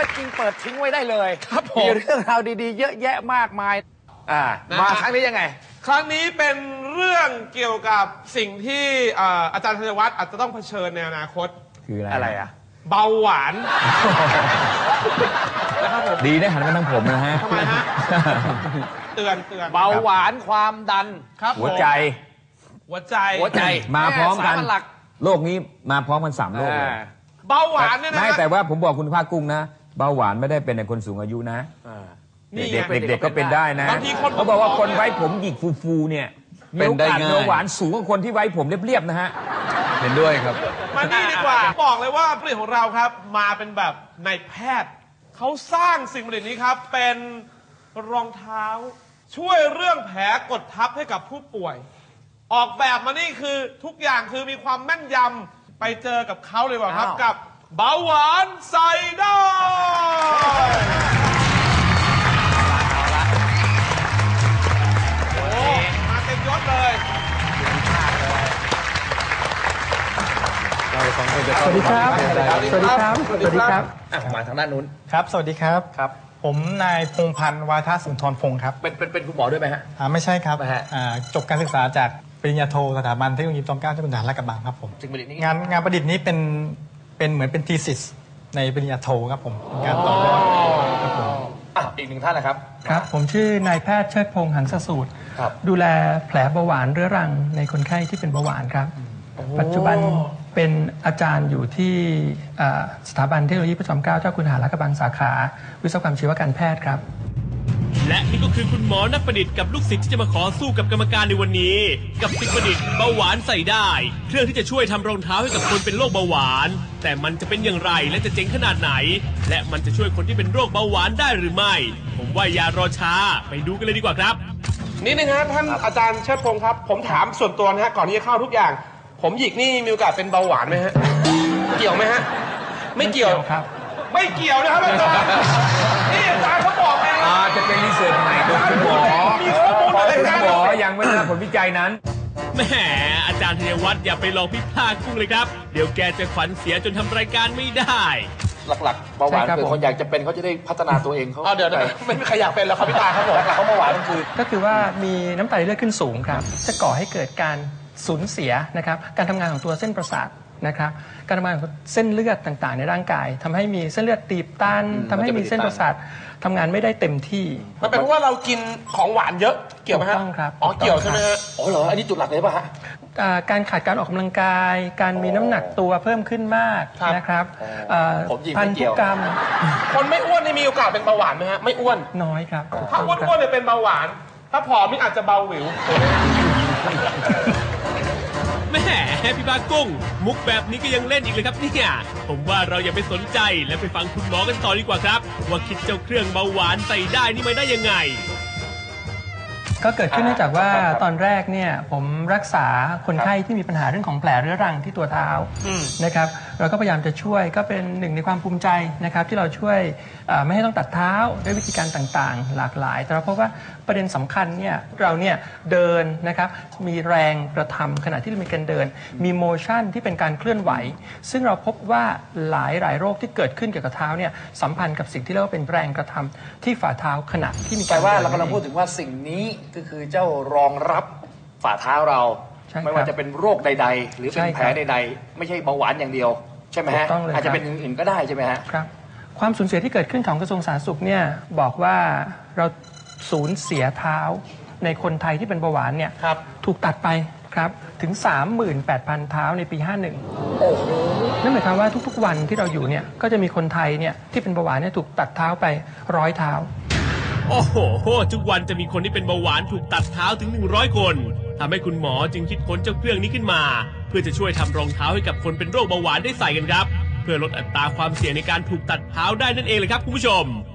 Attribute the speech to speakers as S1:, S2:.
S1: อยจริงเปิดทิ้งไว้ได้เลย
S2: ครับผม
S1: มีเรื่องราวดีๆเยอะแยะมากมายมาครั้งนี้ยังไง
S2: ครั้งนี้เป็นเรื่องเกี่ยวกับสิ่งที่อาจารย์ธัญวัฒน์อาจจะต้องเผชิญในอนาคต
S3: คือ
S1: อะไรอ่ะ
S2: เบาหวานนะครับผม
S3: ดีนะหันมาทางผมนะฮะ
S2: ทำไมฮะเตือน
S1: เบาหวานความดัน
S2: ครับ
S3: หัวใจมาพร้อมกันโรคนี้มาพร้อมกัน3 โรคเลย
S2: เบาหวานเนี่ยนะ
S3: ไม่แต่ว่าผมบอกคุณภาคกุ้งนะเบาหวานไม่ได้เป็นในคนสูงอายุนะเด็กก็เป็นได้นะเขาบอกว่าคนไว้ผมหยิกฟูๆเนี่ยมีโอกาสเบาหวานสูงกว่าคนที่ไว้ผมเรียบๆนะฮะเห็นด้วยครับ
S2: มานี่ดีกว่าบอกเลยว่าผลิตของเราครับมาเป็นแบบนายแพทย์เขาสร้างสิ่งผลิตนี้ครับเป็นรองเท้าช่วยเรื่องแผลกดทับให้กับผู้ป่วยออกแบบมานี่คือทุกอย่างคือมีความแม่นยำไปเจอกับเขาเลยว่าครับกับเบาหวานใส่ได้โอ้มาเต็มยศเลย
S4: สวัสดีครับ
S1: มาทางด้านนู้น
S4: ครับสวัสดีครับผมนายพงษ์พันธ์วาทสุนทรพงศ์ครับ
S1: เป็นคุณหมอด้วยไหมฮะ
S4: ไม่ใช่ครับจบการศึกษาจากปริญญาโทสถาบันเทคโนโลยีจอมเกล้าเจ้าคุณทหารลาดกระบังครับผมงานประดิษฐ์นี้เป็นเหมือนเป็นทีซิสในปริญญาโทครับผมการต่อยอดครับผม
S1: อีกหนึ่งท่านนะครับ
S5: ครับผมชื่อนายแพทย์เชิดพงษ์หันสสูตรดูแลแผลเบาหวานเรื้อรังในคนไข้ที่เป็นเบาหวานครับปัจจุบันเป็นอาจารย์อยู่ที่สถาบันเทคโนโลยีพระจอมเกล้าเจ้าคุณทหารลาดกระบังสาขาวิศวกรรมชีวการแพทย์ครับ
S6: และนี่ก็คือคุณหมอนักประดิษฐ์กับลูกศิษย์ที่จะมาขอสู้กับกรรมการในวันนี้กับสิ่งประดิษฐ์เบาหวานใส่ได้เครื่องที่จะช่วยทำรองเท้าให้กับคนเป็นโรคเบาหวานแต่มันจะเป็นอย่างไรและจะเจ๋งขนาดไหนและมันจะช่วยคนที่เป็นโรคเบาหวานได้หรือไม่ผมว่าอย่ารอช้าไปดูกันเลยดีกว่าครับ
S2: นี่นะฮะท่านอาจารย์เชิดพงศ์ครับผมถามส่วนตัวนะฮะก่อนที่จะเข้าทุกอย่างผมหยิกนี่มีโอกาสเป็นเบาหวานไหมฮะเกี่ยวไหมฮะไม่เกี่ยว
S5: ครับ
S2: ไม่เกี่ยวนะครับอาจารย์นี่อาจารย์เขาบอกเอง
S3: จะเป็นรีเสิร์ชใหม่ของคุณหมอ
S2: มีข้อมูลอะไร
S3: กันหมอยังไม่ได้ผลวิจัยนั้น
S6: แหมอาจารย์ธัญวัฒน์อย่าไปลองพิพากกุ้งเลยครับเดี๋ยวแกจะขวัญเสียจนทำรายการไม่ได้
S1: หลักๆเบาหวานคือคนอยากจะเป็นเขาจะได้พัฒนาตัวเองเขา
S2: เดี๋ยวไม่มีใครอยากเป็นแล้วครับพี่ตาครับผม
S1: หลักๆเขาเบาหวาน
S5: ก็คือว่ามีน้ำตาลเลือดขึ้นสูงครับจะก่อให้เกิดการสูญเสียนะครับการทำงานของตัวเส้นประสาทนะครับการทำงานของเส้นเลือดต่างๆในร่างกายทำให้มีเส้นเลือดตีบตันทำให้มีเส้นประสาททำงานไม่ได้เต็มที่
S2: มันเป็นเพราะว่าเรากินของหวานเยอะเกี่ยวไหมฮะ
S5: ต้องครับ
S2: เกี่ยวใช่ไหมฮะ
S1: เหรออันนี้จุดหลักเลยป่ะฮะ
S5: การขาดการออกกำลังกายการมีน้ำหนักตัวเพิ่มขึ้นมากนะครับพันธุกรรม
S2: คนไม่อ้วนนี่มีโอกาสเป็นเบาหวานไหมฮะไม่อ้วน
S5: น้อยครับ
S2: ถ้าอ้วนเนี่ยเป็นเบาหวานถ้าผอมนี่อาจจะเบาหวิว
S6: แม่พี่บากุ้งมุกแบบนี้ก็ยังเล่นอีกเลยครับเนี่ยผมว่าเราอย่าไปสนใจและไปฟังคุณหมอกันต่อดีกว่าครับว่าคิดเจ้าเครื่องเบาหวานใส่ได้นี่มาได้ยังไง
S5: ก็เกิดขึ้นเนื่องจากว่าตอนแรกเนี่ยผมรักษาคนไข้ที่มีปัญหาเรื่องของแผลเรื้อรังที่ตัวเท้านะครับเราก็พยายามจะช่วยก็เป็นหนึ่งในความภูมิใจนะครับที่เราช่วยไม่ให้ต้องตัดเท้าด้วยวิธีการต่างๆหลากหลายแต่เราพบว่าประเด็นสำคัญเนี่ยเราเนี่ยเดินนะครับมีแรงกระทำขณะที่เรามีการเดินมีโมชั่นที่เป็นการเคลื่อนไหวซึ่งเราพบว่าหลายโรคที่เกิดขึ้นเกี่ยวกับเท้าเนี่ยสัมพันธ์กับสิ่งที่เรียกว่าเป็นแรงกระทำที่ฝ่าเท้าขณะที่มีการ
S1: แปลว่าเรากำลังพูดถึงว่าสิ่งนี้ก็คือเจ้ารองรับฝ่าเท้าเราไม่ว่าจะเป็นโรคใดๆหรือเป็นแผลใดๆไม่ใช่เบาหวานอย่างเดียวใช่ไหมฮะอาจจะเป็นอื่นๆก็ได้ใช่ไหมฮะ
S5: ครับความสูญเสียที่เกิดขึ้นของกระทรวงสาธารณสุขเนี่ยบอกว่าเราสูญเสียเท้าในคนไทยที่เป็นเบาหวานเนี่ยถูกตัดไปครับถึง 38,000 เท้าในปี 51นั่นหมายความว่าทุกๆวันที่เราอยู่เนี่ยก็จะมีคนไทยเนี่ยที่เป็นเบาหวานเนี่ยถูกตัดเท้าไป100 เท้า
S6: โอ้โหทุกวันจะมีคนที่เป็นเบาหวานถูกตัดเท้าถึง100 คนทำให้คุณหมอจึงคิดค้นเจ้าเครื่องนี้ขึ้นมาเพื่อจะช่วยทำรองเท้าให้กับคนเป็นโรคเบาหวานได้ใส่กันครับเพื่อลดอัตราความเสี่ยงในการถูกตัดเท้าได้นั่นเองเลยครับคุณผู้ชม